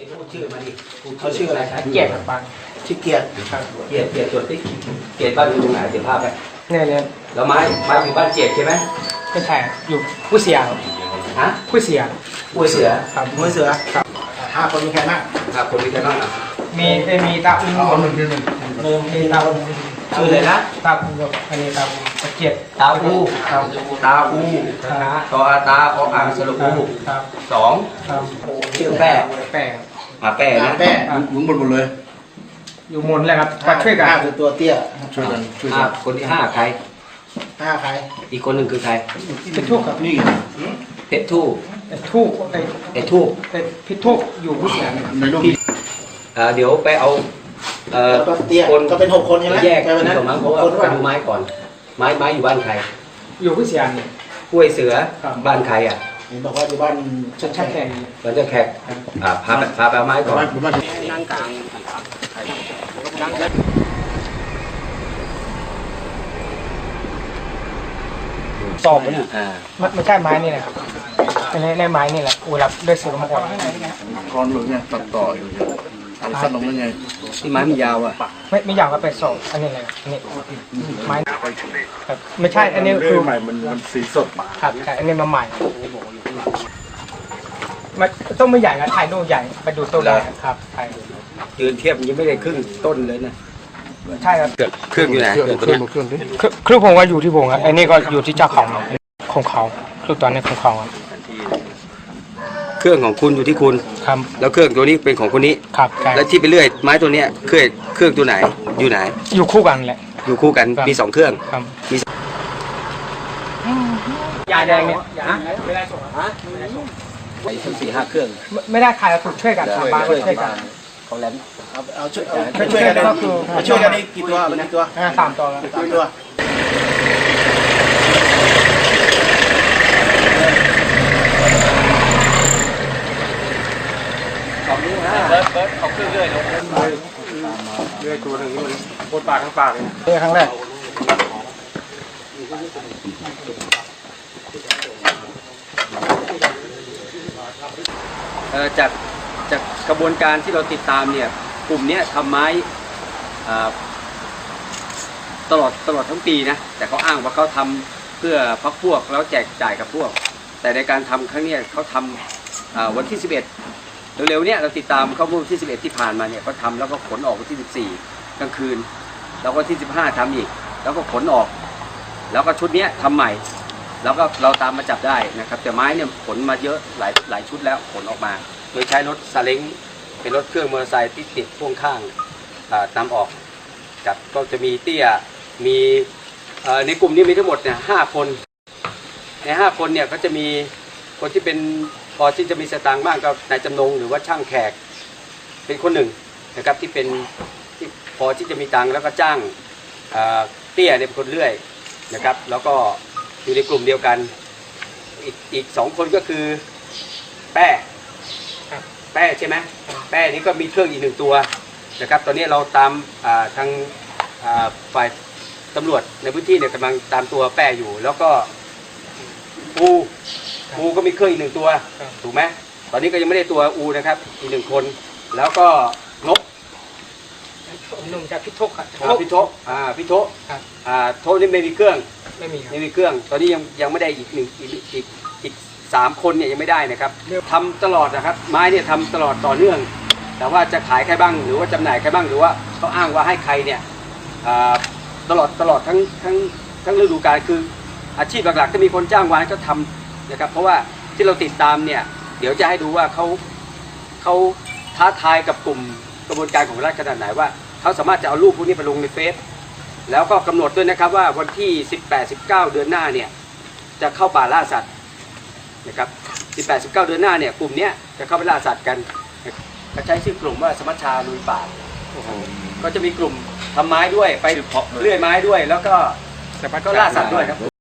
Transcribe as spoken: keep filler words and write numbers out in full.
พูดชื่อมาดิเขาชื่ออะไรครับเกียรติครับบ้านชื่อเกียรติเกียรติเกียรติจดที่เกียรติบ้านอยู่ตรงไหนเดี๋ยวภาพไปเนี่ยเนี่ยแล้วไม้ไม้อยู่บ้านเกียรติใช่ไหมไม่ใช่อยู่ผู้เสียครับฮะผู้เสียป่วยเสือครับมวยเสือครับห้าคนมีใครบ้างครับคนมีใครบ้างอ่ะมีได้มีตาอุ้งเอาหนึ่งหนึ่งหนึ่งหนึ่งมีตาอุ้งชื่อเลยนะตาอุ้งกับอันนี้ตาอุ้งตะเกียรติตาอูครับตาอูครับตออาตาออ่างสระอูครับสองครับชื่อแป้แป้งมาแป้นะแป้หมุนหมดหมดเลยอยู่หมดเลยครับก็ช่วยกันห้าคือตัวเตี้ยช่วยกันช่วยห้ากันคนที่ห้าใครห้าใครอีกคนหนึ่งคือใครพิทุกครับนี่เพชรทู่ไอ้ทุกไอ้ไอ้ทู่ไอ้พิทุกอยู่ผู้เสียเนี่ยในรูปเอ่อเดี๋ยวไปเอาเอ่อแล้วก็เตี้ยคนก็เป็นหกคนใช่ไหมแยกไปวันนั้นก่อนมั้งเพราะว่าคนไปดูไม้ก่อน ไม้ไม้อยู่บ้านใครอยู่ผู้เสียเนี่ยป่วยเสือครับบ้านใครอ่ะเห็นบอกว่าอยู่บ้านชัดชัดแข่งบ้านเจ้าแขกอ่าพาไปพาไปเอาไม้ก่อนบ้านบ้านนั่งกลางสอบอ่าไม่ไม่ใช่ไม้นี่แหละครับในในไม้นี่แหละเวลาด้วยเสือมาก่อนคอนหรือไงตัดต่ออยู่เนี่ยเอาสั้นลงได้ไงที่ไม้มันยาวอ่ะไม่ไม่อยากก็ไปสอบอันนี้เลยอันนี้ไม้ครับไม่ใช่อันนี้คือใหม่มันมันสีสดครับใช่อันนี้มาใหม่มันต้องไม่ใหญ่นะถ่ายรูปใหญ่ไปดูตัวใหญ่ครับใช่ยืนเทียบยังไม่ได้ครึ่งต้นเลยนะใช่ครับเครื่องอยู่ไหนเครื่องเครื่องเคตัวรื่องเนี้ยเครื่องดิคือคือผมว่าอยู่ที่ผมครับอันนี้ก็อยู่ที่เจ้าของของเขาคือตอนนี้ของเขาครับเครื่องของคุณอยู่ที่คุณครับแล้วเครื่องตัวนี้เป็นของคนนี้ครับใช่แล้วที่ไปเรื่อยไม้ตัวเนี้ยเครื่องเครื่องตัวไหนอยู่ไหนอยู่คู่กันแหละอยู่คู่กันครับมีสองเครื่องครับมียาแดงเนี่ยไม่ได้ส่งฮะไอ้ทั้งสี่ห้าเครื่องไม่ได้ขายถูกช่วยกันทางบ้านก็ช่วยกันเขาแหลมเอาเอาช่วยเอาช่วยกันก็คือเอาช่วยกันนี่กี่ตัวเป็นกี่ตัวอ่าสามตัวแล้วสามตัวสองนิ้วห้าเบิร์ดเบิร์ดเอาเครื่องเรื่อยลงเรื่อยตัวหนึ่งนี่มันโคตรปากข้างปากเลยนี่ครั้งแรกเอ่อจากจากกระบวนการที่เราติดตามเนี่ยกลุ่มเนี้ยทำไม้อ่าตลอดตลอดทั้งปีนะแต่เขาอ้างว่าเขาทำเพื่อพักพวกแล้วแจกจ่ายกับพวก แต่ในการทำครั้งเนี้ยเขาทำอ่าวันที่สิบเอ็ดเร็วๆเนี่ยเราติดตามเขาเมื่อวันที่สิบเอ็ดที่ผ่านมาเนี่ยเขาทำแล้วก็ขนออกวันที่สิบสี่กลางคืนแล้วก็ที่สิบห้าทำอีกแล้วก็ขนออก แล้วก็ชุดเนี้ยทำใหม่ แล้วก็เราตามมาจับได้นะครับแต่ไม้เนี่ยขนมาเยอะหลายหลายชุดแล้วขนออกมา โดยใช้รถซาเล้งเป็นรถเครื่องมอเตอร์ไซค์ที่ติดพ่วงข้างอ่านำออกกับก็จะมีเตี้ยมีเอ่อในกลุ่มนี้มีทั้งหมดเนี่ยห้าคนในห้าคนเนี่ยก็จะมีคนที่เป็นพอที่จะมีสตางค์บ้างก็นายจำนงหรือว่าช่างแขกเป็นคนหนึ่งนะครับที่เป็นที่พอที่จะมีตังค์แล้วก็จ้างเอ่อเตี้ยเนี่ยเป็นคนเลื่อยนะครับแล้วก็อยู่ในกลุ่มเดียวกันอีกอีกสองคนก็คือแป้แป้ใช่ไหมแป้นี้ก็มีเครื่องอีกหนึ่งตัวนะครับตอนนี้เราตามอ่าทางอ่าฝ่ายตำรวจในพื้นที่เนี่ยกำลังตามตัวแป้อยู่แล้วก็อูอูก็มีเครื่องอีกหนึ่งตัวถูกไหมตอนนี้ก็ยังไม่ได้ตัวอูนะครับอีกหนึ่งคนแล้วก็นกหนุ่มจากพิทุกครับอ่าพี่โทอ่าพี่โทครับอ่าโทนี่ไม่มีเครื่องไม่มีครับไม่มีเครื่อง ตอนนี้ยังยังไม่ได้อีกหนึ่งอีกอีกอีกสามคนเนี่ยยังไม่ได้นะครับทำตลอดนะครับ ไม้เนี่ยทำตลอดต่อเนื่อง แต่ว่าจะขายใครบ้างหรือว่าจำหน่ายใครบ้างหรือว่าเขาอ้างว่าให้ใครเนี่ยอ่าตลอดตลอดทั้งทั้งทั้งฤดูกาลคืออาชีพหลักๆถ้ามีคนจ้างวานก็ทำนะครับ เพราะว่าที่เราติดตามเนี่ยเดี๋ยวจะให้ดูว่าเขาเขาท้าทายกับกลุ่มกระบวนการของรัฐขนาดไหนว่าเขาสามารถจะเอารูปพวกนี้ไปลงในเฟซแล้วก็กำหนดด้วยนะครับว่าวันที่สิบแปด สิบเก้าเดือนหน้าเนี่ยจะเข้าป่าล่าสัตว์นะครับสิบแปด สิบเก้าเดือนหน้าเนี่ยกลุ่มเนี้ยจะเข้าไปล่าสัตว์กันเขาใช้ชื่อกลุ่มว่าสมัชชาลุยป่าก็จะมีกลุ่มทำไม้ด้วยไปเลื่อยไม้ด้วยแล้วก็ก็ล่าสัตว์ด้วยครับ